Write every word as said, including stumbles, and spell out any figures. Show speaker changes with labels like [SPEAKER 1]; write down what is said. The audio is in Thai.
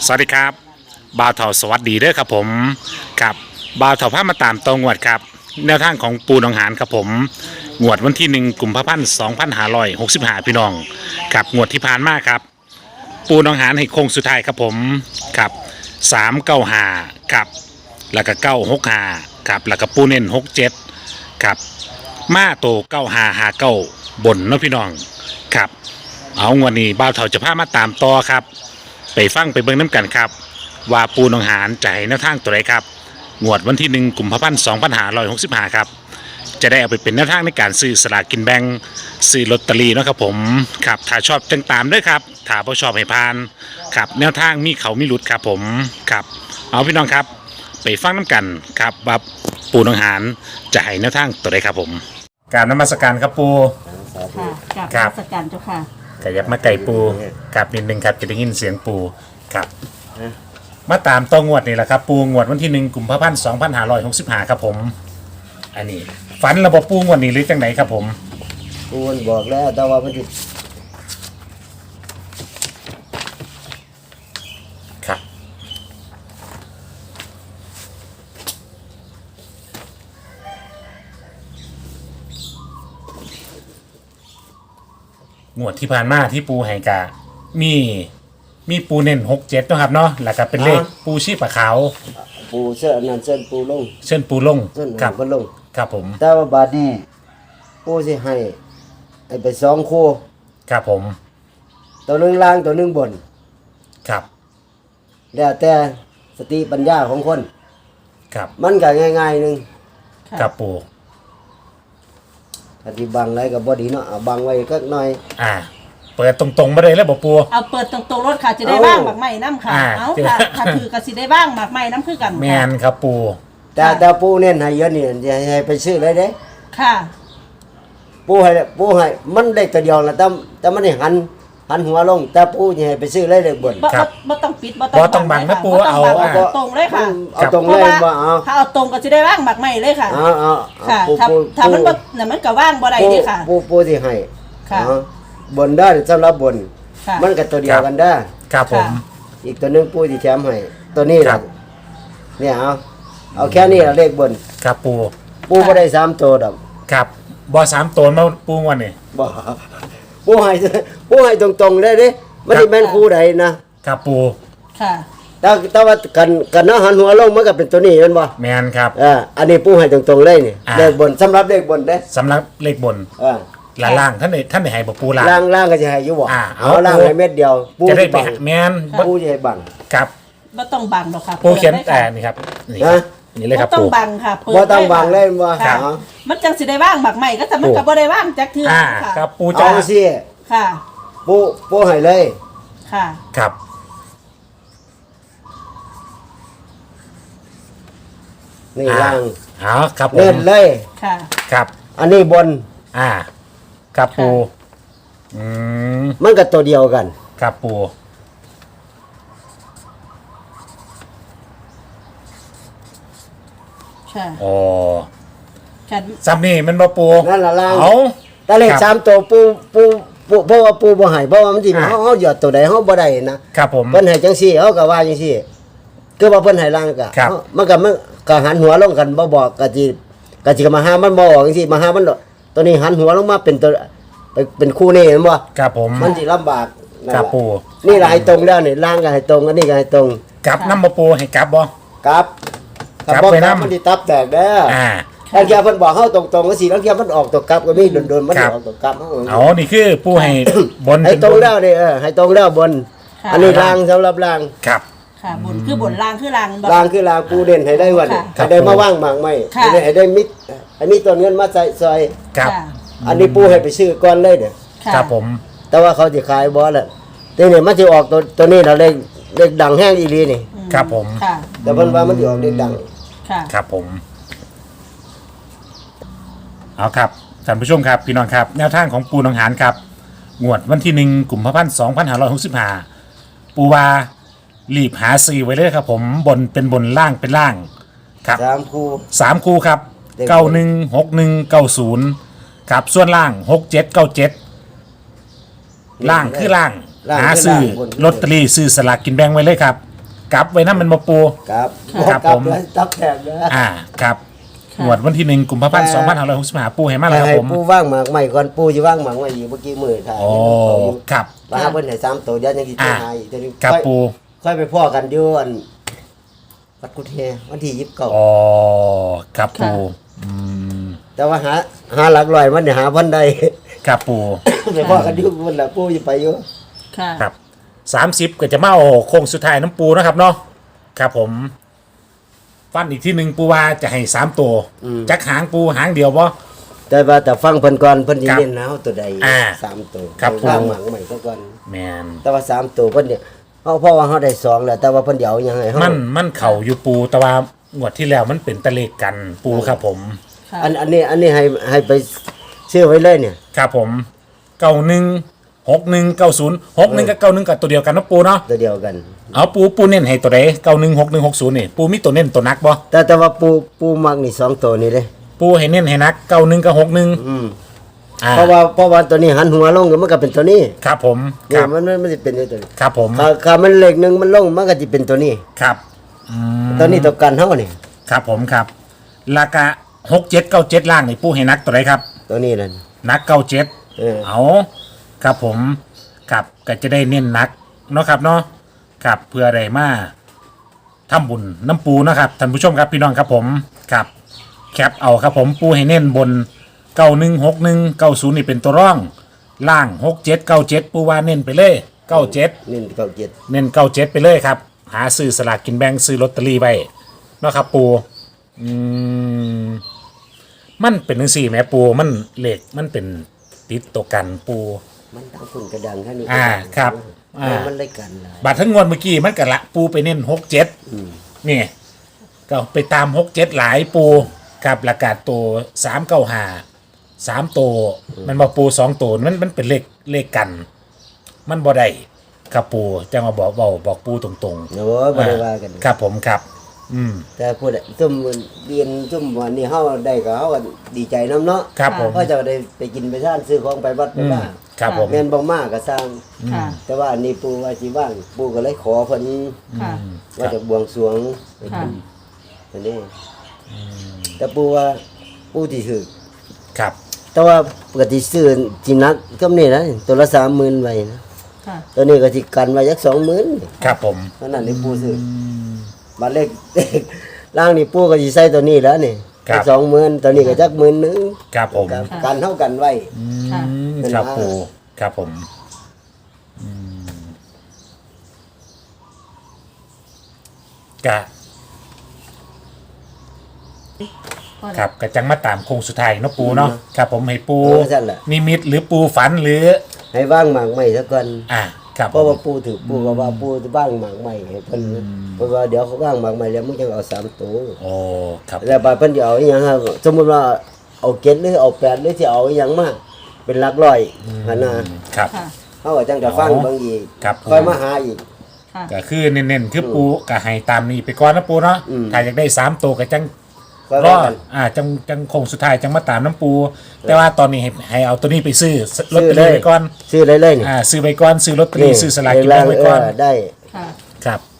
[SPEAKER 1] สวัสดีครับบ่าวเถาสวัสดีเด้อครับผมกับบ่าวเถาพามาตามตองวดครับแนวทางของปูหนองหานครับผมงวดวันที่หนึ่งกุมภาพันธ์สองพันห้าร้อยหกสิบห้าพี่น้องกับงวดที่ผ่านมาครับปูหนองหานให้โค้งสุดท้ายครับผมกับสามเก้าห้ากับแล้วก็เก้าหกห้ากับแล้วก็ปูเน้นหกเจ็ดกับมาโตเก้าห้าห้าเก้าบนเนาะพี่น้องครับเอางวดนี้บ่าวเถาจะพามาตามต่อครับไปฟังไปเบิ่งน้ำกันครับว่าปูหนองหานจะให้แนวทางตัวใดครับงวดวันที่หนึ่งกุมภาพันธ์สองพันห้าร้อยหกสิบห้าครับจะได้เอาไปเป็นแนวทางในการซื้อสลากกินแบ่งซื้อลอตเตอรี่เนาะครับผมครับถ้าชอบจังตามด้วยครับถ้าบ่ชอบให้ผ่านครับแนวทางมีเขามีหลุดครับผมครับเอาพี่น้องครับไปฟังน้ำกันครับว่าปูหนองหานจะให้แนวทางตัวใดครับผมกราบนมัสการครับปู
[SPEAKER 2] ค่ะกับราชการเจ้าค่ะ
[SPEAKER 1] ขยับมาไก่ปูกับนิดนึงครับจะได้ยินเสียงปูครับมาตามตัวงวดนี่แหละครับปูงวดวันที่หนึ่งกุมภาพันธ์สองพันห้าร้อยหกสิบห้าครับผมอันนี้ฝันระบบปูงวดนี้หรือจังไหนครับผม
[SPEAKER 3] ปูนบอกแล้วแต่ว่ามันจะ
[SPEAKER 1] ครับงวดที่ผ่านมาที่ปูให้กะมีมีปูเน้นหกเจ็ดนาะครับเนาะแล้วก็เป็นเลขปูชีพปะขาว
[SPEAKER 3] ปูเสื้อนั่นเส้นปูลง
[SPEAKER 1] เส้นปูลง
[SPEAKER 3] เส้น
[SPEAKER 1] ครับ
[SPEAKER 3] ก็ลง
[SPEAKER 1] ครับผม
[SPEAKER 3] แต่ว่าบาดนี้ปูสิให้ให้ไปสองคู่
[SPEAKER 1] ครับผม
[SPEAKER 3] ตัวหนึงล่างตัวหนึงบน
[SPEAKER 1] ครับ
[SPEAKER 3] แล้วแต่สติปัญญาของคน
[SPEAKER 1] ครับ
[SPEAKER 3] มันก็ง่ายๆหนึง
[SPEAKER 2] ค่ะ
[SPEAKER 1] ครับปู
[SPEAKER 3] ถ้าที่บังไรก็บ่ดีเนาะเอาบังไว้ก็หน่อย
[SPEAKER 1] อ่าเปิดตรงๆมาเลยแล้วบอกปู
[SPEAKER 2] เอาเปิดตรงๆรถค่ะจะได้
[SPEAKER 3] เอา
[SPEAKER 2] บ้างหมากไหม้น้ำค่ะ
[SPEAKER 1] อ่า
[SPEAKER 2] เอาค่ะถ้าถือกระสิได้บ้างหมากไหม้น้ำคือกัน
[SPEAKER 1] แมนครับปู
[SPEAKER 3] แต่แต่ปูเน้นให้เยอะนี่จะให้ไปซื้อเลยเด้
[SPEAKER 2] ค่ะ
[SPEAKER 3] ปูให้ปูให้มันได้ตัวเดียวละแต่แต่มันให้หันหันหัวลง แต่ปูจะให้ไปซื้อเลยเลยบน
[SPEAKER 2] บ่บ่บ่ต้องปิดบ่
[SPEAKER 1] บ่ต้องบังนะปู
[SPEAKER 2] บ่ต้องบัง
[SPEAKER 1] เอา
[SPEAKER 2] เอาตรงเลยค่ะ
[SPEAKER 3] เอาตรงเลยบ่เอา
[SPEAKER 2] ถ้าเอาตรงก็จะได้บ้างหมากไหม้เลยค่ะ
[SPEAKER 3] เอาเอาเอา
[SPEAKER 2] ค่ะ
[SPEAKER 3] ปู
[SPEAKER 2] ถ้า
[SPEAKER 3] ปู
[SPEAKER 2] ถ้ามันบ่น่ะมันก็ว่างบ่ได้
[SPEAKER 3] ปู
[SPEAKER 2] เด้ค่ะ
[SPEAKER 3] ปูปูสิให้
[SPEAKER 2] ค่ะ
[SPEAKER 3] เอาบนได้สำหรับบน
[SPEAKER 2] ค่ะ
[SPEAKER 3] มันก็ตัวเดียวกันได้
[SPEAKER 1] ครับผม
[SPEAKER 3] อีกตัวหนึงปูสิแถมให้ตัวนี้
[SPEAKER 1] ครั
[SPEAKER 3] ล่ะ
[SPEAKER 1] บ
[SPEAKER 3] เนี่ยเอาเอาแค่นี้ล่ะเลขบน
[SPEAKER 1] ครับปู
[SPEAKER 3] ปูบ่ได้สามตัวดอก
[SPEAKER 1] ครับบอสามตัวมาปูงวันนี่
[SPEAKER 3] บ่ปูให้ปูให้ตรงๆเลยเด้มันสิแม่นคู่ใดนะครับ
[SPEAKER 1] ปู
[SPEAKER 2] ค่ะ
[SPEAKER 3] แต่แต่ว่ากันกันเนาะหันหัวลงมันก็เป็นตัวนี้แม่นบ่
[SPEAKER 1] แมนครับ
[SPEAKER 3] เอ่าอันนี้ปูให้ตรงๆเลยนี่
[SPEAKER 1] อ่า
[SPEAKER 3] เลขบนสำหรับเลขบนเด้
[SPEAKER 1] สำหรับเลขบน
[SPEAKER 3] อ่า
[SPEAKER 1] ล่าล่างท่านไหนท่านไหนให้บอกปูล่าง
[SPEAKER 3] ล่างล่างก็จะให้อยู่บ่
[SPEAKER 1] อ่า
[SPEAKER 3] เอา
[SPEAKER 1] เอา
[SPEAKER 3] ล่าง
[SPEAKER 1] ปู
[SPEAKER 3] ให้เม็ดเดียวปู
[SPEAKER 1] จะได้
[SPEAKER 3] สิ
[SPEAKER 1] ไป
[SPEAKER 3] บัง
[SPEAKER 1] หาแมน
[SPEAKER 3] ปูจะให้บัง
[SPEAKER 1] ครับ
[SPEAKER 2] บ่ต้องบังดอกค่ะ
[SPEAKER 1] ปูเขียน
[SPEAKER 2] ปิด
[SPEAKER 1] แต่
[SPEAKER 2] ล
[SPEAKER 1] นี่ครับนี่
[SPEAKER 3] ฮะ
[SPEAKER 1] นี่เลยครับ
[SPEAKER 2] ต้อ
[SPEAKER 1] ปู
[SPEAKER 2] งบังค่ะเปิด
[SPEAKER 3] บ่ต้องบังเลยบ่
[SPEAKER 2] ค่ะ
[SPEAKER 3] เอา
[SPEAKER 2] มันจังสิได้บ้างหมากไหม้ก็แต่มันก็บ่ได้บ้างจักเทื่อ
[SPEAKER 1] อ่า
[SPEAKER 2] ค่ะ
[SPEAKER 1] ครับปูจะ
[SPEAKER 3] เอาสิ
[SPEAKER 2] ค่ะ
[SPEAKER 3] ปูปูให้เลย
[SPEAKER 2] ค่ะ
[SPEAKER 1] ครับ
[SPEAKER 3] นี่
[SPEAKER 1] อ่า
[SPEAKER 3] ล่าง
[SPEAKER 1] เอาครับผ
[SPEAKER 3] เล่
[SPEAKER 1] ม
[SPEAKER 3] นเลย
[SPEAKER 2] ค่ะ
[SPEAKER 1] ครับ
[SPEAKER 3] อันนี้บน
[SPEAKER 1] อ่าครับปูอืม
[SPEAKER 3] มันก็ตัวเดียวกัน
[SPEAKER 1] ครับปู
[SPEAKER 2] ค่ะ
[SPEAKER 1] อ๋อ
[SPEAKER 2] ค่ะ
[SPEAKER 1] ซับนี่มันมาปู
[SPEAKER 3] นั่นล่ะล่าง
[SPEAKER 1] เอา
[SPEAKER 3] แต่เลข
[SPEAKER 1] ครับ
[SPEAKER 3] สามตัวปูปูปูเพราะว่าปูบ่ให้เพราะว่ามันสิ
[SPEAKER 1] อ่า
[SPEAKER 3] เฮาเฮาหยอดตัวใดเฮาบ่ได้นะครับ
[SPEAKER 1] ผม
[SPEAKER 3] เพิ่นให้จังซี่เฮาก็ว่าจังซี่คือว่าเพิ่นให้ล่างก็
[SPEAKER 1] ครับ
[SPEAKER 3] เอ้ามันก็มันก็หันหัวลงกันบ่บอกก็สิก็สิมาหามันบ่ออกจังซี่มาหามันตัวนี้หันหัวลงมาเป็นตัวไปเป็นคู่นี่เห็นบ่
[SPEAKER 1] ครับผม
[SPEAKER 3] มันสิลำบากนั่น
[SPEAKER 1] ครับ
[SPEAKER 3] ล่ะ
[SPEAKER 1] ปู
[SPEAKER 3] นี่ล่ะให้ตรงแล้วนี่ล่างก็ให้ตรงอันนี้ก็ให้ตรง
[SPEAKER 1] กลับน้ำมาปูให้กลับบ่
[SPEAKER 3] ครับถ้าก
[SPEAKER 1] ลับ
[SPEAKER 3] บ่
[SPEAKER 1] ไป
[SPEAKER 3] กลับ
[SPEAKER 1] นำ
[SPEAKER 3] มันสิตับแตกเด้อ
[SPEAKER 1] อ่า
[SPEAKER 3] บางทีเพิ่นบอกเฮาตรงๆก็สิบางทีมันออกตัวกลับก็มีโดนๆมัน
[SPEAKER 1] ครับ
[SPEAKER 3] ออกตัวกลับเฮา
[SPEAKER 1] เอานี่คือปูให้บน
[SPEAKER 3] ให้
[SPEAKER 1] เป็น
[SPEAKER 3] ตรง
[SPEAKER 1] บน
[SPEAKER 3] แล้วนี่เออให้ตรงแล้วบน
[SPEAKER 2] ค่ะ
[SPEAKER 3] อันนี้รางสำหรับราง
[SPEAKER 1] ครับ
[SPEAKER 2] ค่ะบนคือบนล่างคือล่างบ่
[SPEAKER 3] รางคือรางปูเด่นให้ได้วัน
[SPEAKER 2] ค่ะ
[SPEAKER 3] ให้ได้มาว่างหมากไม้
[SPEAKER 2] ค่ะ
[SPEAKER 3] ให้ได้ให้ได้มิดให้มีต้นเงินมาใส่ซอย
[SPEAKER 1] ครับ
[SPEAKER 2] ค่ะ
[SPEAKER 3] อันนี้ปูให้ไปซื้อก่อนเลยเด้อ
[SPEAKER 2] ค่ะ
[SPEAKER 1] ครับผม
[SPEAKER 3] แต่ว่าเขาสิขายบ่ล่ะแต่นี่มันสิออกตัวตัวนี้น่ะเลขเลขดังแห้งอีหลีนี่
[SPEAKER 2] อืม
[SPEAKER 1] ครับผม
[SPEAKER 2] ค่ะ
[SPEAKER 3] แต่เพิ่นว่ามันสิออกเลขดัง
[SPEAKER 2] ค่ะ
[SPEAKER 1] ครับผม เอาครับท่านผู้ชมครับ พี่น้องครับ แนวทางของปูหนองหานครับ งวดวันที่หนึ่งกุมภาพันธ์สองพันห้าร้อยหกสิบห้าปูวารีบหาซีไว้เลยครับผมบนเป็นบนล่างเป็นล่าง ครับ
[SPEAKER 3] สามคู่
[SPEAKER 1] สามคู่ครับ
[SPEAKER 3] เด็ก
[SPEAKER 1] เก้าหนึ่งหกหนึ่งเก้าศูนย์ครับส่วนล่างหกเจ็ดเก้าเจ็ดล่างคือล่าง
[SPEAKER 3] ล่าง
[SPEAKER 1] หา
[SPEAKER 3] คือ
[SPEAKER 1] ซื้อ
[SPEAKER 3] ล่างบน
[SPEAKER 1] ลอตเตอรี่ซื้อสลากกินแบ่งไว้เลยครับกลับไว้นะมันมาปู
[SPEAKER 3] ครับ
[SPEAKER 1] ครับ
[SPEAKER 3] กลั
[SPEAKER 1] ผม
[SPEAKER 3] เลยตับแถบเลย
[SPEAKER 1] อ่าครับ
[SPEAKER 2] ค่ะ
[SPEAKER 1] งวดวันที่หนึ่งกุมภาพันธ์สองพันห้าร้อยหกสิบห้าปูให้มาแล้วครับ
[SPEAKER 3] ให้
[SPEAKER 1] ผม
[SPEAKER 3] ปูว่างหมากใหม่ก่อนปูสิว่างหมากใหม่อยู่เมื่อกี้มื้อถ่าย
[SPEAKER 1] โอ้ครับ
[SPEAKER 3] ว่าหาเพิ่นให้สามตัวเดี๋ยวยังสิ
[SPEAKER 1] อ่า
[SPEAKER 3] หาอีกเดี๋ยวนี้
[SPEAKER 1] ครับ
[SPEAKER 3] ค่อย
[SPEAKER 1] ปู
[SPEAKER 3] ค่อยไปพ้อกันอยู่อันวัดกุฎแฮวันที่ยี่สิบเก้า
[SPEAKER 1] อ๋อครับปู
[SPEAKER 2] ค่ะ
[SPEAKER 1] อืม
[SPEAKER 3] แต่ว่าหาหาหลักร้อยมันเนี่ยหาพันใด
[SPEAKER 1] ครับปู
[SPEAKER 3] ไปพ้อกันอยู่พุ่นล่ะปูสิไปอยู่
[SPEAKER 2] ค่ะ
[SPEAKER 1] ครับสามสิบก็จะมาเอาโค้งสุดท้ายน้ำปูนะครับเนาะครับผมฟันอีกที่หนึ่งปูว่าจะให้สามตัวจักหางปูหางเดียวบ่
[SPEAKER 3] แต่ว่าแต่ฟังเพิ่นก่อนเพิ่นสิ
[SPEAKER 1] ครับ
[SPEAKER 3] เน้นหนาวตัวใด
[SPEAKER 1] อ่า
[SPEAKER 3] สามตัว
[SPEAKER 1] ครับ
[SPEAKER 3] ให้ว่างหมากใหม่ซะก่อน
[SPEAKER 1] แมน
[SPEAKER 3] แต่ว่าสามตัวเพิ่นเนี่ยเฮาเพราะว่าเฮาได้สองแล้วแต่ว่าเพิ่นเดี๋ยวยังไงเฮา
[SPEAKER 1] มันมันเข่าอยู่ปูแต่ว่างวดที่แล้วมันเป็นตะเลกกันปูครับผม
[SPEAKER 2] ค่ะ
[SPEAKER 3] อันอันนี้อันนี้ให้ให้ไปซื้อไว้เลยเนี่ย
[SPEAKER 1] ครับผมเก้าหนึ่งหกหนึ่งเก้าศูนย์หกหนึ่งกับเก้าหนึ่งกับตัวเดียวกันเนาะปูเนาะ
[SPEAKER 3] ตัวเดียวกัน
[SPEAKER 1] เอาปูปูเน้นให้ตัวใดเก้าหนึ่งหกหนึ่งหกศูนย์นี่ปูมีตัวเน้นตัวนักบ่
[SPEAKER 3] แต่แต่ว่าปูปูมักนี่สองตัวนี้เด้
[SPEAKER 1] ปูให้เน้นให้นักเก้าหนึ่งกับหกหนึ่ง
[SPEAKER 3] อืม
[SPEAKER 1] อ่า
[SPEAKER 3] เพราะว่าเพราะว่าตัวนี้หันหัวลงมันก็เป็นตัวนี้
[SPEAKER 1] ครับผมค
[SPEAKER 3] เนี่ย
[SPEAKER 1] รับ
[SPEAKER 3] มันมันมันสิเป็นตัวนี้
[SPEAKER 1] ครับผม
[SPEAKER 3] ถ้าถ้ามันเลขหนึงมันลงมันก็สิเป็นตัวนี้
[SPEAKER 1] ครับอืม
[SPEAKER 3] ตัวนี้ตัวกันเฮานี่
[SPEAKER 1] ครับผมครับราคาหกเจ็ดเก้าเจ็ดล่างนี่ปูให้นักตัวใดครับ
[SPEAKER 3] ตัวนี้นั่น
[SPEAKER 1] นักเก้าเจ็ด
[SPEAKER 3] เออ
[SPEAKER 1] เอาครับผมครับก็จะได้เน้นนักเนาะครับเนาะครับเพื่ออะไรมาทำบุญน้ำปูนะครับท่านผู้ชมครับพี่น้องครับผมครับแคปเอาครับผมปูให้เน้นบนเก้าหนึ่งหกหนึ่งเก้าศูนย์นี่เป็นตัวร่องล่างหกเจ็ดเก้าเจ็ดปูว่าเน้นไปเลยเก้าเจ็ด
[SPEAKER 3] นี่เก้าเจ็ด
[SPEAKER 1] เน้นเก้าเจ็ดไปเลยครับ หาซื้อสลากกินแบ่งซื้อลอตเตอรี่ไว้เนาะครับปูอืมมันเป็นจังซี่แหม่ปูมันเหล็กมันเป็นติดตัวกันปู
[SPEAKER 3] มันทั้งฝุ่นกระดังท่านี้
[SPEAKER 1] อ่าครับอ่า
[SPEAKER 3] มันเลยกันหลาย
[SPEAKER 1] บาททั้งงวดเมื่อกี้มันก็ละปูไปเน้นหกเจ็ดนี่ก็ไปตามหกเจ็ดหลายปูกับประกาศตัวสามเก้าหาสามตัวมันมาปูสองตัวมันมันเป็นเลขเลขกัน มันบ่ได้ครับปูจังมาบอกบอกบอกปูตรง
[SPEAKER 3] โอ้ยบ่ได้ว่ากัน
[SPEAKER 1] ๆครับผมครับ อืม
[SPEAKER 3] แต่พูดอะซุ่มเรียนซุ่มวันนี้เฮาได้ก็เฮาก็ดีใจนํเนาะ
[SPEAKER 1] ครับผม
[SPEAKER 3] เพราะจะได้ไปกินไปทานซื้อของไปวัดไป
[SPEAKER 1] อืม
[SPEAKER 3] บ้าน
[SPEAKER 1] ครับผม
[SPEAKER 3] แม่นบ่มากก็สร้าง
[SPEAKER 2] ค่ะ
[SPEAKER 3] แต่ว่าอันนี้ปู่ว่าสิว่างปู่ก็เลยขอเพิ่น
[SPEAKER 2] ค่ะ
[SPEAKER 3] ว่าจะบวงสรวง
[SPEAKER 2] ค่ะ
[SPEAKER 3] อันนี้แต่ปู่ว่าปู่ที่ถือ
[SPEAKER 1] ครับ
[SPEAKER 3] แต่ว่าปกติซื้อจินักก็นี่นะตัวละสามหมื่นไว้นะ
[SPEAKER 2] ค่ะ
[SPEAKER 3] ตัวนี้ก็สิกันไว้จักสองหมื่น
[SPEAKER 1] ครับผม
[SPEAKER 3] เท่านั้นที่ปู่ซื้อบัตรเลข ล่างนี่ปู่ก็สิใส่ตัวนี้แล้วนี่
[SPEAKER 1] ครับ
[SPEAKER 3] สองหมื่นตัวนี้ก็จักหมื่นหนึง
[SPEAKER 1] ครับผม
[SPEAKER 3] ครับกันเท่ากันไว้
[SPEAKER 2] ค่ะ
[SPEAKER 1] อืมครับปูครับผมอืมกะ
[SPEAKER 2] พอแล้ว
[SPEAKER 1] ครับกะจังมาตามโค้งสุดท้ายเนาะปูเนาะครับผมให้ปู
[SPEAKER 3] เออนั่นแหละ
[SPEAKER 1] นิมิตหรือปูฝันหรือ
[SPEAKER 3] ให้ว่างหมากใหม่ซะก่อน
[SPEAKER 1] อ่าครับ
[SPEAKER 3] เพราะว่าปู่ถือปู่ก็ว่าปู่จะว่างหมากใหม่ให้เพิ่นเพราะว่าเดี๋ยวเขาว่างหมากใหม่แล้วมึงจะเอาสามตัว
[SPEAKER 1] โอ้ครับ
[SPEAKER 3] แล้วบาดเพิ่นจะเอาอีหยังฮะสมมุติว่าเอาเจ็ดหรือเอาแปดหรือสิเอาอีหยังมาเป็นหลักร้อยหั่นน่ะ
[SPEAKER 1] ครับ
[SPEAKER 2] ค่ะ
[SPEAKER 3] เฮาก็จังจะฟังเบิ่งอีก
[SPEAKER 1] ครับ
[SPEAKER 3] ค่อยมาหาอีก
[SPEAKER 2] ค่ะ
[SPEAKER 1] ก็คือเน้นๆคือปูกะให้ตามนี้ไปก่อนนะปูเนาะ
[SPEAKER 3] อืม
[SPEAKER 1] ถ้าอยากได้สามตัวก็จัง
[SPEAKER 3] ค่อย
[SPEAKER 1] รอ
[SPEAKER 3] ว่ากัน
[SPEAKER 1] อ่าจังจังโค้งสุดท้ายจังมาตามน้ำปู แต่ว่าตอนนี้ให้ให้เอาตัวนี้ไปซื้อลอต
[SPEAKER 3] ซื้อ
[SPEAKER 1] เตอ
[SPEAKER 3] เล
[SPEAKER 1] รี่
[SPEAKER 3] ย
[SPEAKER 1] ไปก่อน
[SPEAKER 3] ซื้อเลยเลยนี่
[SPEAKER 1] อ่าซื้อไปก่อนซื้อลอตเตอรี่ซื้อสลากกินแบ่งไว้ก่อน
[SPEAKER 3] เได้
[SPEAKER 2] ค่ะ
[SPEAKER 1] ครับ